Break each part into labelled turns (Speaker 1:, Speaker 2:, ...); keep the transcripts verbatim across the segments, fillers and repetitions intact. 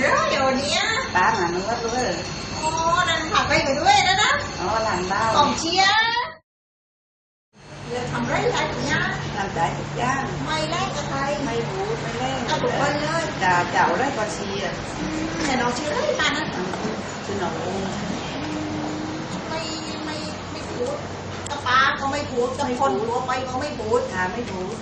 Speaker 1: เดี๋ยวเดี๋ยวนี้
Speaker 2: ตาหนังวัดด้วย
Speaker 1: โอ้นั่นผักไปไปด้วยนะนะ
Speaker 2: อ๋อหลังบ้าน
Speaker 1: กองเชียร์เดี๋ยวทำไรอะไรอย่างเงี้ย
Speaker 2: ทำได้ทุกอย่าง
Speaker 1: ไม่แลกกับใคร
Speaker 2: ไม่รู้ไม่เล่น
Speaker 1: เอาทุกคนเลย
Speaker 2: จ่าเจ้าได้ก็เชียร์
Speaker 1: แต่น้องเชียร์ได้มานะ
Speaker 2: คือน้อง
Speaker 1: ไม่ไม่ไม่พูดกับป้าก็ไม่พูดกับคนตัวไปก็ไม่พูด
Speaker 2: หาไม่รู้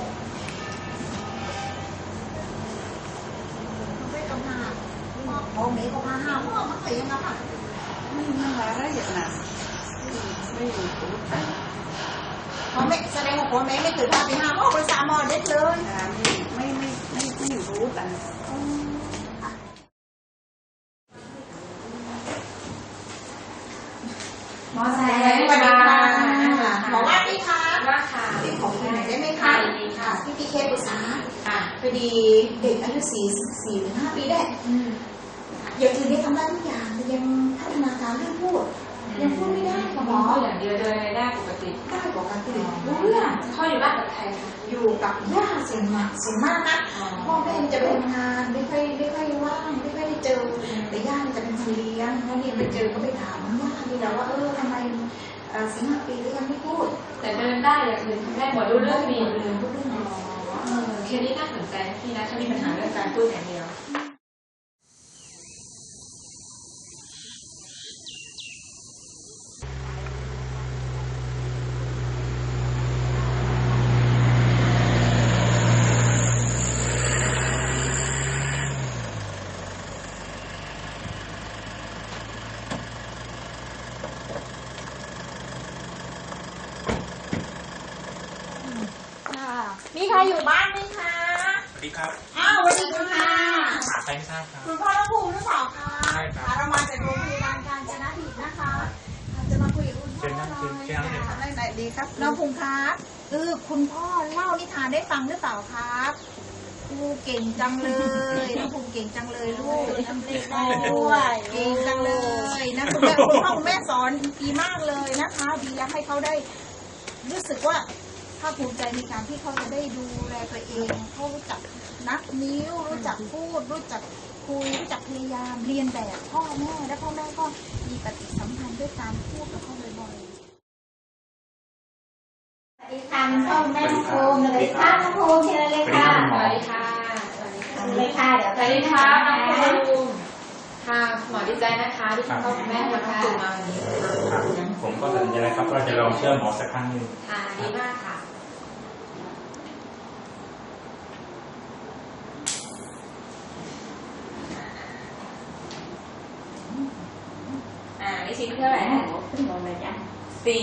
Speaker 1: ไม่ต้องหาพ่อแม่ก็พาห้าพ่อมาใส่ยังไงค่ะ
Speaker 2: ไม่ไม่มาได้อย่างนั้นไม่รู้
Speaker 1: พ่อแม่แสดงว่าพ่อแม่ไม่เคยพาไปหาพ่อไปสามหมอเด็ดเลย
Speaker 2: ไม่ไม่ไม่ไม่ไม่รู้กัน
Speaker 1: หมอแสงสวัสดีค่ะหมอว่าดีค่ะ
Speaker 3: ว่าค่ะ
Speaker 1: ติดของคุณหน่อยได้ไหมคะ
Speaker 3: ดีค่ะ
Speaker 1: พี่พีเคปรึกษาพอดีเด็กอายุสี่สี่ถึงห้าปีได้อย่างอื่นได้ทำได้ทุกอย่างแต่ยังพัฒนาการเรื่องพูดยังพูดไม่ได้ค่ะหมอ
Speaker 3: อย่างเดียวเดินได้ปกติ
Speaker 1: ได้ปกติรู้เรื่อง
Speaker 3: พ่ออยู่บ้านกับใครคะ
Speaker 1: อยู่กับย่าเสียงมากเสียงมากนะพ่อแม่จะไปทำงานไม่ค่อยไม่ค่อยว่างไม่ค่อยได้เจอแต่ย่าจะเป็นคนเลี้ยงแล้วนี่ไปเจอก็ไปถามย่าดีแล้วว่าเออทำไมสี่ห้าปีแล้วยังไม่พูด
Speaker 3: แต่เดินได้อย่างอื่นแม่หมดรู้เรื่องมี
Speaker 1: เรื่องพูดเรื่อง
Speaker 3: เคสนี้น่าสนใจพี่นะถ้ามีปัญหาเรื่องการพูดอย่างเดียว
Speaker 1: มีใครอยู่บ้านไหมคะ
Speaker 4: สวัสดีครับ
Speaker 1: อ้าวสวัสดีค่ะ
Speaker 4: หาใครไม่ทราบครับ
Speaker 1: คุณพ่อระภูมิหรือเปล่าคะ
Speaker 4: ใช่ครับ
Speaker 1: เรามาจากโรงพยาบาลกาญจนดิตนะคะจะมาคุยกับคุณพ่อหน่อยได้ดีครับน้องภูมิครับเออคุณพ่อเล่านิทานได้ฟังหรือเปล่าครับครูเก่งจังเลยน้องภูมิเก่งจังเลยลูกทำได้ด้วยเก่งจังเลยนะคุณแม่คุณพ่อคุณแม่สอนดีมากเลยนะคะดีอยากให้เขาได้รู้สึกว่าภาคภูมิใจในการที่เขาจะได้ดูแลตัวเองเขารู้จักนับนิ้วรู้จักพูดรู้จักคุยรู้จักพยายามเรียนแบบพ่อแม่และพ่อแม่ก็มีปฏิสัมพันธ์ด้วยการพูดกับเขาบ่อยๆ
Speaker 5: สวัสดีค่ะพ่อแม่น้องภูมิสวัสดีค่ะน้องภูมิเชิญเลยค่ะ
Speaker 3: สวัสดีค่ะ
Speaker 5: สวัสดีค่ะเลยค่ะเดี๋ยว
Speaker 3: สวัสดีค่ะน้องภูมิค่ะหมอดีใจนะคะที่คุณพ่อคุณแม่มาทั้งตัวมาวันนี้
Speaker 4: ผมก็ตัดสินใจแล้วครับว่าจะลองเชื่อหมอสักครั้งหนึ่ง
Speaker 3: ค่ะดีมากค่ะอ่านี่ชิ้นเท่าไหร่
Speaker 5: ขึ้นลงเลยจ้ะ
Speaker 3: สี่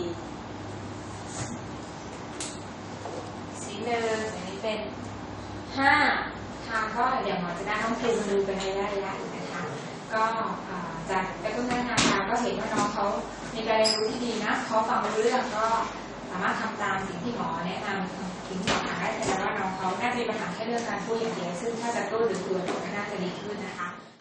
Speaker 3: ชิ้นหนึ่งอันนี้เป็นห้าทางก็เดี๋ยวหมอจะได้ต้องเทมาดูเป็นระยะระยะอีกนะคะก็จากกระตุ้นพัฒนาการก็เห็นว่าน้องเขามีการเรียนรู้ที่ดีนะเขาฟังรู้เรื่องก็สามารถทำตามสิ่งที่หมอแนะนำสิ่งที่หมอหาได้แต่ว่าน้องเขาน่าจะมีปัญหาแค่เรื่องการพูดอย่างเดียวซึ่งถ้าจะตู้หรือตัวก็น่าจะดีขึ้นนะคะ